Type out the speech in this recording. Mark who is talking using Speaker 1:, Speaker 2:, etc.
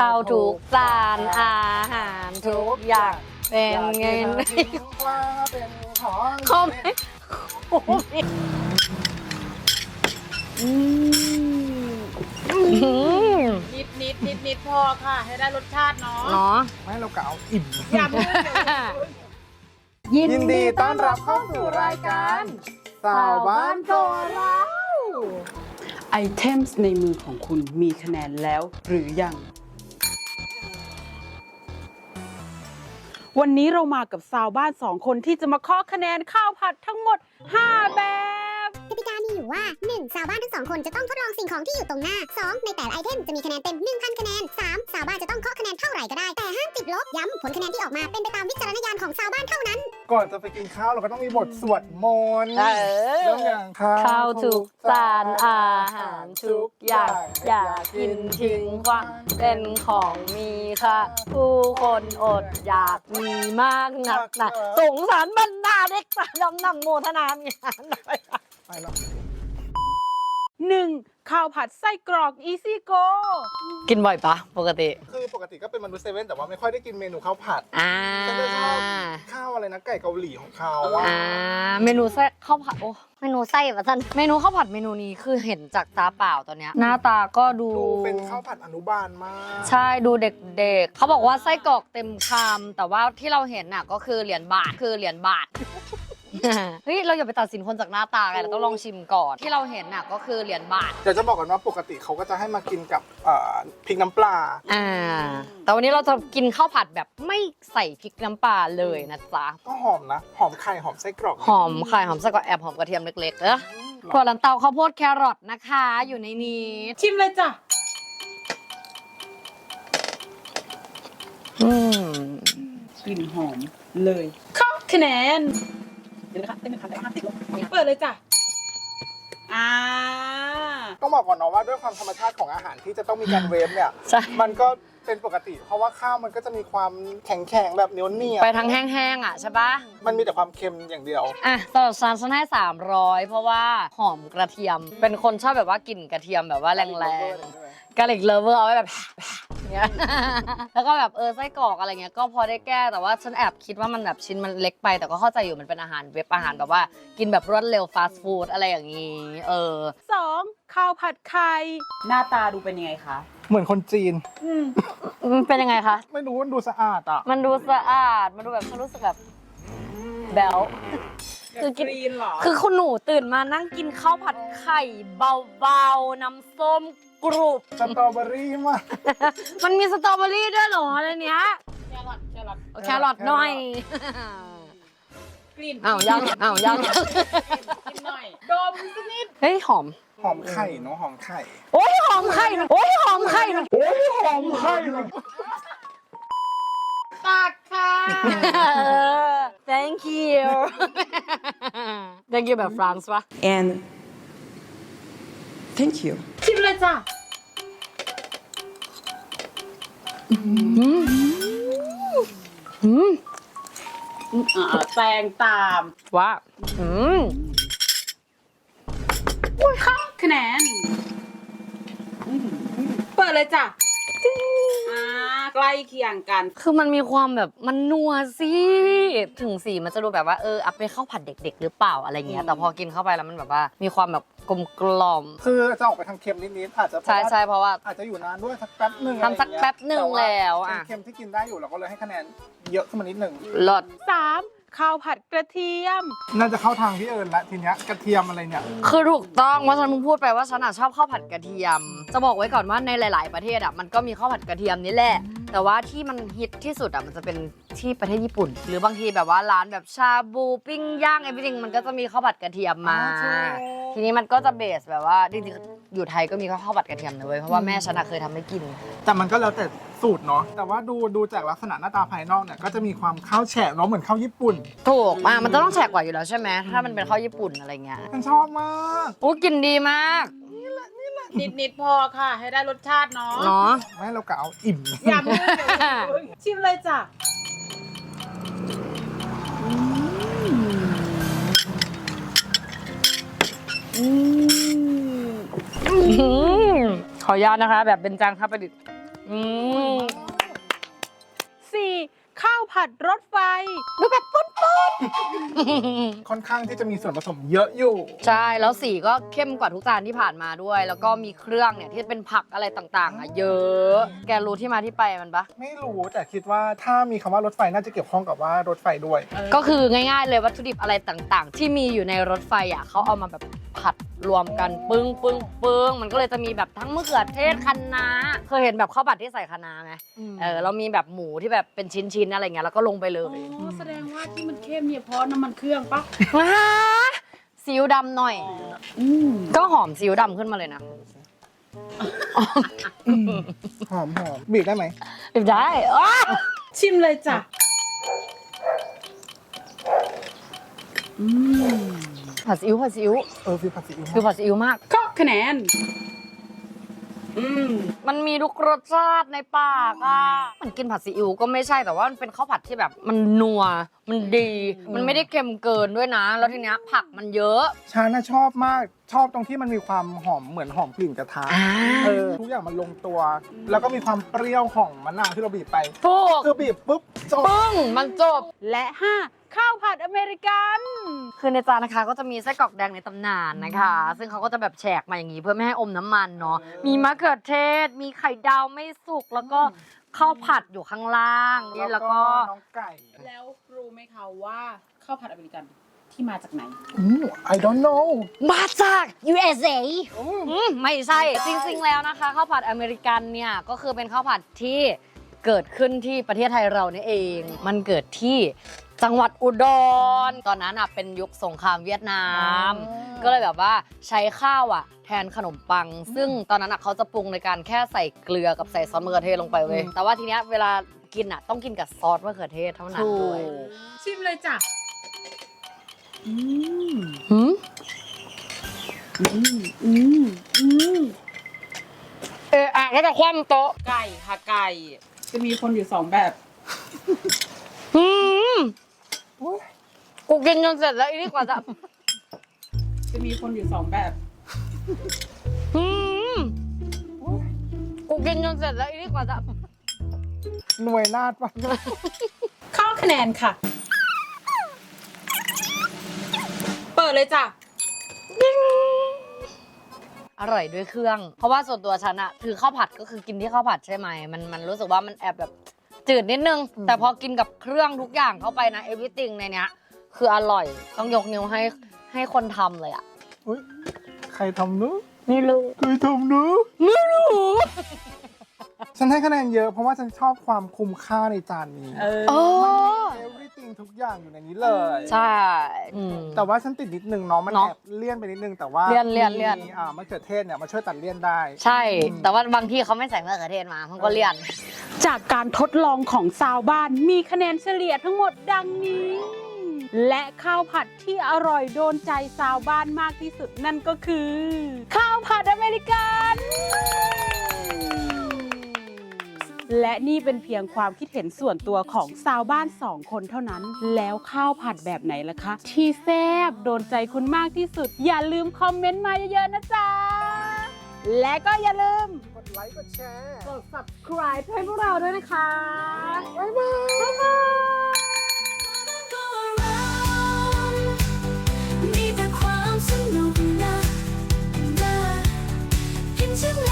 Speaker 1: ข้าวทุกจานอาหารทุกอย่างเป็นเงิน
Speaker 2: ว่าเป็นของ
Speaker 1: คอม
Speaker 3: นิดพอค่ะ ให้ได้รสชาติเนาะ
Speaker 1: เนาะ
Speaker 2: ไม่เรากะเอาอิ่ม
Speaker 3: อย่าเพิ่ง
Speaker 2: ยินดีต้อนรับเข้าสู่รายการสาวบ้านโกเรา
Speaker 4: ไอเทมส์ในมือของคุณมีคะแนนแล้วหรือยัง วันนี้เรามากับสาวบ้าน2 คนที่จะมาเคาะคะแนนข้าวผัดทั้งหมด 5 แบบ
Speaker 5: กติกามีอยู่ว่า 1. สาวบ้านทั้ง 2 คนจะต้องทดลองสิ่งของที่อยู่ตรงหน้า 2. ในแต่ละไอเทมจะมีคะแนนเต็ม 1,000 คะแนน 3. สาวบ้านจะต้องเคาะคะแนนเท่าไหร่ก็ได้ แต่ห้ามติดลบ ย้ำผลคะแนนที่ออกมาเป็นไปตามวิจารณญาณของสาวบ้านเท่านั้น
Speaker 2: ก่อนจะไปกินข้าวเราก็ต้องมีบทสวดมนต์
Speaker 1: เออ
Speaker 2: เรื่องอย่าง
Speaker 1: ข้าวทุกจานอาหารทุกอย่างอย่ากินทิ้งขว้างเป็นของมีค่าผู้คนอดอยากมีมากนักนะสงสารบรรดาเด็กสายดำนำโมทนามีงานหน่อย
Speaker 2: ไปแล้ว
Speaker 4: 1. ข้าวผัดไส้กรอกอีซี่โก
Speaker 1: กินบ่อยปะปกติ
Speaker 2: คือปกติก็เป็นมนุษย์เซเว่นแต่ว่าไม่ค่อยได้กินเมนูข้าวผัด
Speaker 1: อ่า
Speaker 2: ฉันจะชอบข้าวอะไรนะไก่เกาหลีของเขาอะ
Speaker 1: เมนูไส้ข้าวผัดโอ้เมนูไส้แบบท่านเมนูข้าวผัดเมนูนี้คือเห็นจากตาเปล่าตอนเนี้ยหน้าตาก็ดู
Speaker 2: ดูเป็นข้าวผัดอนุบาลมาก
Speaker 1: ใช่ดูเด็กๆเขาบอกว่าไส้กรอกเต็มคำแต่ว่าที่เราเห็นน่ะก็คือเหรียญบาทคือเหรียญบาท เฮ้ยเราอย่าไปตัดสินคนจากหน้าตาไงเราต้องลองชิมก่อนที่เราเห็นน่ะก็คือเหรียญบาท
Speaker 2: เดี๋ยวจะบอกก่อนว่าปกติเขาก็จะให้มากินกับพริกน้ำปลา
Speaker 1: แต่วันนี้เราจะกินข้าวผัดแบบไม่ใส่พริกน้ำปลาเลยนะจ๊ะ
Speaker 2: ก็หอมนะ หอมไข่หอมไส้กรอก
Speaker 1: หอมไข่หอมไส้กรอกแอบหอมกระเทียมเล็กๆถั่วลันเตาข้าวโพดแครอทนะคะอยู่ในนี้
Speaker 3: ชิมเลยจ้ะ
Speaker 4: กลิ่นหอมเลย
Speaker 3: เข้าคะแนนเดี๋ยวนะคะเต้นไม่ทันแต่ห้ามติดลบเปิดเลยจ้ะ
Speaker 2: ต้องบอกก่อนเนาะว่าด้วยความธรรมชาติของอาหารที่จะต้องมีการเวฟเนี่ย
Speaker 1: ใช่
Speaker 2: มันก็เป็นปกติ เพราะว่าข้าวมันก็จะมีความแข็งๆแบบเหนียวเนีย
Speaker 1: ไปทางแห้งๆอ่ะใช่ปะ
Speaker 2: มันมีแต่ความเค็มอย่างเดียว
Speaker 1: อ่ะสำหรับฉันให้300เพราะว่าหอมกระเทียม เป็นคนชอบแบบว่ากลิ่นกระเทียมแบบว่าแรงๆกะหรี่เลเวอร์เอาไว้แบบ เงี้ย แล้วก็แบบไส้กรอกอะไรเงี้ยก็พอได้แก้แต่ว่าฉันแอบคิดว่ามันแบบชิ้นมันเล็กไปแต่ก็เข้าใจอยู่มันเป็นอาหารเว็บอาหารแบบว่ากินแบบรวดเร็วฟาสต์ฟู้ดอะไรอย่างงี้
Speaker 4: 2. ข้าวผัดไข่ หน้าตาดูเป็นยังไงคะ
Speaker 2: เหมือนคนจีน
Speaker 1: มันเป็นยังไงคะ
Speaker 2: ไม่รู้มันดูสะอาดอ่ะ
Speaker 1: มันดูสะอาดมันดูแบบฉันรู้สึกแบบแบลคือกิน
Speaker 3: กรีนเหรอ
Speaker 1: คือคุณหนูตื่นมานั่งกินข้าวผัดไข่เบาๆน้ำส้มกรุบ
Speaker 2: สตรอเบอรี่มาก
Speaker 1: มันมีสตรอเบอรี่ด้วยเหรออะไรเนี้ย
Speaker 3: แครอท
Speaker 1: แครอทหน่อย
Speaker 3: กลิ่น
Speaker 1: อ้าวยัง
Speaker 3: กินหน่อยดมสักนิด
Speaker 1: เฮ้ยหอม
Speaker 2: หอมไข่เนาะหอมไข่
Speaker 1: โอ้ยหอมไข่โอ้ยหอมไข่
Speaker 3: ตักค่ะ
Speaker 1: thank you thank you แบบฟรานซ์ปะ
Speaker 4: and thank you
Speaker 3: ชิมเลยจ้ะ
Speaker 4: แซงตาม
Speaker 1: ว่า
Speaker 3: เข้าคะแนนเปิดเลยจ้ะใกล้เคียงกัน
Speaker 1: คือมันมีความแบบมันนัวสิถึงสีมันจะดูแบบว่าเอาไปข้าวผัดเด็กๆหรือเปล่าอะไรเงี้ยแต่พอกินเข้าไปแล้วมันแบบว่ามีความแบบกลมกล่อม
Speaker 2: คือจะออกไปทางเค็มนิดๆอาจจะ
Speaker 1: ใช่เพราะว่า
Speaker 2: อาจจะอยู่นานด้วยสักแป๊บหนึ่ง
Speaker 1: ทำสักแป๊บหนึ่งแล้วอะ
Speaker 2: เป็นเค็มที่กินได้อยู่เราก็เลยให้คะแนนเยอะขึ้นมานิดหนึ่ง
Speaker 1: รส
Speaker 4: 3. ข้าวผัดกระเทียม
Speaker 2: น่าจะเข้าทางพี่เอิญละทีเนี้ยกระเทียมอะไรเนี่ย
Speaker 1: คือถูกต้องว่าฉันเพิ่งพูดไปว่าฉันชอบข้าวผัดกระเทียม จะบอกไว้ก่อนว่าในหลาย ๆ ประเทศมันก็มีข้าวผัดกระเทียมนี่แหละ แต่ว่าที่มันฮิตที่สุดมันจะเป็นที่ประเทศญี่ปุ่น หรือบางทีแบบว่าร้านแบบชาบูปิ้งย่างไอ้พี่จริงมันก็จะมีข้าวผัดกระเทียมมา ทีนี้มันก็จะเบสแบบว่าจริงๆอยู่ไทยก็มีข้าวผัดกระเทียมนะเว้ยเพราะว่าแม่ฉันเคยทำให้กิน
Speaker 2: แต่มันก็แล้วแต่สูตรเนาะแต่ว่าดูจากลักษณะหน้าตาภายนอกเนี่ยก็จะมีความข้าวแฉะเนาะเหมือนข้าวญี่ปุ่น
Speaker 1: ถูกมันจะต้องแฉกกว่าอยู่แล้วใช่ไหมถ้ามันเป็นข้าวญี่ปุ่นอะไรเงี้ย
Speaker 2: ฉันชอบมาก
Speaker 1: อู้กินดีมาก
Speaker 3: นิดพอค่ะ ให้ได้รสชาติเนาะ
Speaker 1: เนาะ
Speaker 2: ไม่เรากะเอาอิ่ม
Speaker 3: อย่าเพิ่งชิมเลยจ้ะ
Speaker 1: ขออนุญาตนะคะ แบบเป็นจางครับประดิษฐ์
Speaker 4: 4. ข้าวผัดรถไฟ
Speaker 2: ค่อนข้างที่จะมีส่วนผสมเยอะอยู่
Speaker 1: ใช่แล้วสีก็เข้มกว่าทุกจานที่ผ่านมาด้วย แล้วก็มีเครื่องเนี่ยที่เป็นผักอะไรต่างๆอ่ะเยอะ แกรู้ที่มาที่ไปมันปะ
Speaker 2: ไม่รู้แต่คิดว่าถ้ามีคำว่ารถไฟน่าจะเกี่ยวข้องกับว่ารถไฟด้วย
Speaker 1: ก็คือง่ายๆเลยวัตถุดิบอะไรต่างๆ ที่มีอยู่ในรถไฟอ่ะเขาเอามาแบบผัดรวมกันปึ้งปึ้งปึ้งมันก็เลยจะมีแบบทั้งมะเขือเทศคะน้าเคยเห็นแบบข้าวผัดที่ใส่คะน้าไหมเรามีแบบหมูที่แบบเป็นชิ้นๆอะไรเงี้ยแล้วก็ลงไปเลย
Speaker 4: อ๋อแสดงว่าที่มันเข้มเนี่ยเพราะน้ำมันเครื่องปะ
Speaker 1: ซีอิ๊วดำหน่อยก็หอมซีอิ๊วดำขึ้นมาเลยนะ
Speaker 2: หอมบีบได้ไหม
Speaker 1: ได้อ้า
Speaker 4: ชิมเลยจ้ะ
Speaker 1: ผัดซีอิ๊วผัดซีอิ๊ว
Speaker 2: ฟิวผัดซีอิ๊ว
Speaker 1: คือผัดซีอิ๊วมาก
Speaker 4: ก็คะแนน
Speaker 1: มันมีทุกรสชาติในปากอ่ะมันกินผัดซีอิ๊วก็ไม่ใช่แต่ว่ามันเป็นข้าวผัดที่แบบมันนัวมันดี มันไม่ได้เค็มเกินด้วยนะ แล้วทีเนี้ยผักมันเยอะ
Speaker 2: ฉันน่ะชอบมากชอบตรงที่มันมีความหอมเหมือนหอมกลิ่นกระทะทุกอย่างมันลงตัว แล้วก็มีความเปรี้ยวของมะนาวที่เราบีบไป
Speaker 1: ถูก
Speaker 2: คือบีบปุ๊บจบ
Speaker 1: ปึ้งมันจบ
Speaker 4: และ 5. ข้าวผัดอเมริกัน
Speaker 1: คือในจานนะคะก็จะมีไส้กรอกแดงในตำนานนะคะ ซึ่งเขาก็จะแบบแฉกมาอย่างนี้เพื่อไม่ให้อมน้ำมันเนาะมีมะเขือเทศ มีไข่ดาวไม่สุกแล้วก็ข้าวผัดอยู่ข้างล่างแล้วก็
Speaker 2: น้องไก่
Speaker 4: แล้วรู้ไหมคะว่าข้าวผัดอเมริกันที่มาจากไหน
Speaker 2: I don't know
Speaker 1: มาจาก USA ไม่ใช่จริงๆแล้วนะคะข้าวผัดอเมริกันเนี่ยก็คือเป็นข้าวผัดที่เกิดขึ้นที่ประเทศไทยเรานี่เอง มันเกิดที่จังหวัดอุดรตอนนั้นเป็นยุคสงครามเวียดนาม ก็เลยแบบว่าใช้ข้าวแทนขนมปัง ซึ่งตอนนั้นเขาจะปรุงในการแค่ใส่เกลือกับใส่ซอสมะเขือเทศลงไปเว้ยแต่ว่าทีเนี้ยเวลากินต้องกินกับซอสมะเขือเทศเท่านั้นด้วย
Speaker 4: ชิมเลยจ้ะ
Speaker 1: แล้วแต่คว่ำโต๊ะ
Speaker 4: ไก่ค่ะไก่ จะมีคนอยู่2แบบ
Speaker 1: กูกินจนเสร็จแล้วอีนี่กว่าจะ
Speaker 4: จะมีคนอยู่2แบบ
Speaker 1: กูกินจนเสร็จแล้วอีนี่กว่าจะ
Speaker 2: หน่วยนาฏปะ
Speaker 4: เข้าคะแนนค่ะ เปิดเลยจ้ะ
Speaker 1: อร่อยด้วยเครื่อง เพราะว่าส่วนตัวฉันคือข้าวผัดก็คือกินที่ข้าวผัดใช่ไหมมันรู้สึกว่ามันแอบแบบจืดนิดนึง แต่พอกินกับเครื่องทุกอย่างเข้าไปนะ everything ในเนี้ยคืออร่อยต้องยกนิ้วให้คนทำเลยอ่ะ
Speaker 2: อุ๊ยใครทำเนอะ
Speaker 1: ไม่รู้
Speaker 2: ใครทำเนอะ
Speaker 1: ไม่รู้
Speaker 2: ฉันให้คะแนนเยอะเพราะว่าฉันชอบความคุ้มค่าในจานนี้
Speaker 1: โอ้
Speaker 2: everything ทุกอย่างอยู่ในนี้เลย
Speaker 1: ใช่อืม
Speaker 2: แต่ว่าฉันติดนิดนึงเนาะมัน
Speaker 1: เนาะ
Speaker 2: แอบเลี่ยนไปนิดนึงแต่ว่า
Speaker 1: เลี่ยน
Speaker 2: มีมะเขือเทศเนี่ยมาช่วยตัดเลี่ยนได้
Speaker 1: ใช่ แต่ว่าบางที่เขาไม่ใส่มะเขือเทศมามันก็เลี่ยน
Speaker 4: จากการทดลองของชาวบ้านมีคะแนนเฉลี่ยทั้งหมดดังนี้ และข้าวผัดที่อร่อยโดนใจชาวบ้านมากที่สุดนั่นก็คือ ข้าวผัดอเมริกัน และนี่เป็นเพียงความคิดเห็นส่วนตัวของชาวบ้าน2 คนเท่านั้น แล้วข้าวผัดแบบไหนล่ะคะ ที่แซ่บโดนใจคุณมากที่สุด อย่าลืมคอมเมนต์มาเยอะๆนะจ๊ะ และก็อย่าลืม
Speaker 2: กดไลค์กดแชร์
Speaker 4: กด subscribe ให้พวกเราด้วยนะคะ
Speaker 2: บ๊ายบาย
Speaker 6: มีแต่ความสนุกนะเห็นฉัน